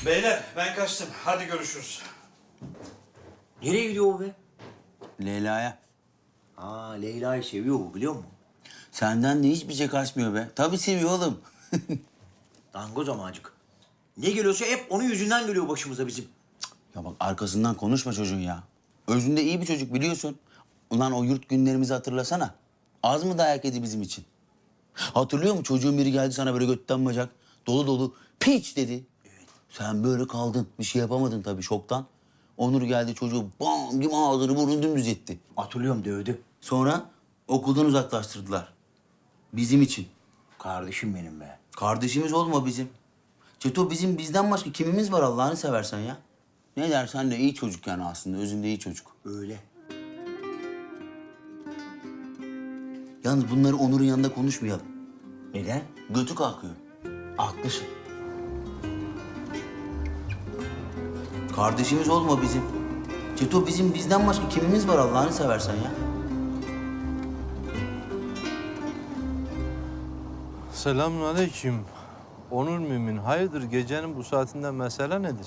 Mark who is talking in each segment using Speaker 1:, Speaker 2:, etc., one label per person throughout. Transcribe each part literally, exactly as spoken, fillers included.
Speaker 1: Beyler ben kaçtım. Hadi görüşürüz.
Speaker 2: Nereye gidiyor o be?
Speaker 3: Leyla'ya.
Speaker 2: Aa, Leyla'yı seviyor bu, biliyor musun?
Speaker 3: Senden de hiçbir şey kaçmıyor be. Tabii seviyor oğlum.
Speaker 2: Dangoz amacık. Ne geliyorsa hep onun yüzünden geliyor başımıza bizim.
Speaker 3: Ya bak arkasından konuşma çocuğun ya. Özünde iyi bir çocuk biliyorsun. Ulan o yurt günlerimizi hatırlasana. Az mı dayak yedi bizim için? Hatırlıyor musun? Çocuğun biri geldi sana böyle götten bacak. Dolu dolu. Piç dedi. Evet. Sen böyle kaldın. Bir şey yapamadın tabii şoktan. Onur geldi çocuğu bam gibi ağzını burnunu dümdüz etti.
Speaker 2: Hatırlıyorum, dövdü.
Speaker 3: Sonra okuldan uzaklaştırdılar. Bizim için.
Speaker 2: Kardeşim benim be.
Speaker 3: Kardeşimiz olma bizim. Çeto bizim bizden başka kimimiz var Allah'ını seversen ya. Ne dersen de iyi çocuk yani aslında. Özünde iyi çocuk.
Speaker 2: Öyle.
Speaker 3: Yalnız bunları Onur'un yanında konuşmayalım.
Speaker 2: Neden?
Speaker 3: Götü kalkıyor.
Speaker 2: Haklısın.
Speaker 3: Kardeşimiz olma bizim. Çeto bizim bizden başka kimimiz var Allah'ını seversen ya.
Speaker 4: Selamünaleyküm. Onur Mümin, hayırdır gecenin bu saatinde mesele nedir?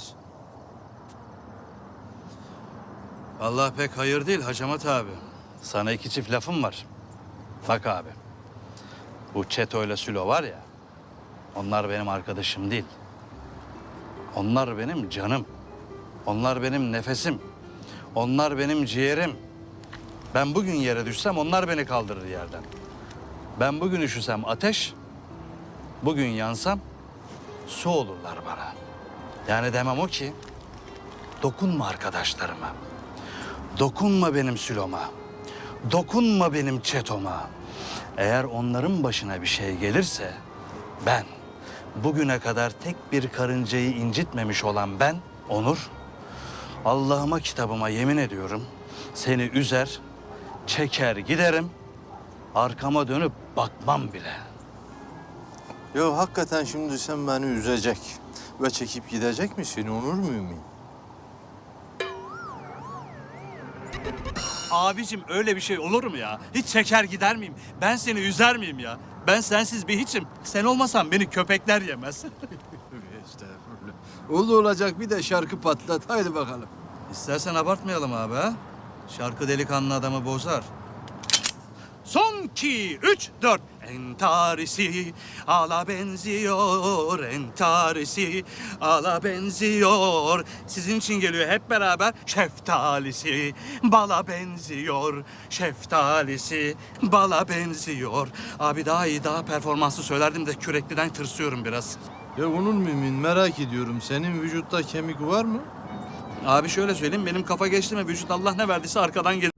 Speaker 1: Vallahi pek hayır değil Hacamat abi. Sana iki çift lafım var. Bak abi. Bu Çeto ile Sülo var ya. Onlar benim arkadaşım değil. Onlar benim canım. Onlar benim nefesim. Onlar benim ciğerim. Ben bugün yere düşsem onlar beni kaldırır yerden. Ben bugün üşüsem ateş, bugün yansam su olurlar bana. Yani demem o ki, dokunma arkadaşlarıma. Dokunma benim Sülo'ma. Dokunma benim Çeto'ma. Eğer onların başına bir şey gelirse ben, bugüne kadar tek bir karıncayı incitmemiş olan ben, Onur, Allah'ıma kitabıma yemin ediyorum, seni üzer, çeker giderim, arkama dönüp bakmam bile.
Speaker 4: Ya hakikaten şimdi sen beni üzecek ve çekip gidecek misin Onur Mümin?
Speaker 1: Abicim öyle bir şey olur mu ya? Hiç çeker gider miyim? Ben seni üzer miyim ya? Ben sensiz bir hiçim. Sen olmasan beni köpekler yemez.
Speaker 5: Estağfurullah. Oldu olacak bir de şarkı patlat. Haydi bakalım.
Speaker 1: İstersen abartmayalım abi ha. Şarkı delikanlı adamı bozar. Son iki, üç, dört. Entarisi ala benziyor, entarisi ala benziyor. Sizin için geliyor hep beraber. Şeftalisi bala benziyor, şeftalisi bala benziyor. Abi daha iyi, daha performanslı söylerdim de kürekliden tırsıyorum biraz.
Speaker 4: Ya Onur Mümin merak ediyorum, senin vücutta kemik var mı?
Speaker 1: Abi şöyle söyleyeyim, benim kafa geçti mi vücut Allah ne verdiyse arkadan gelir.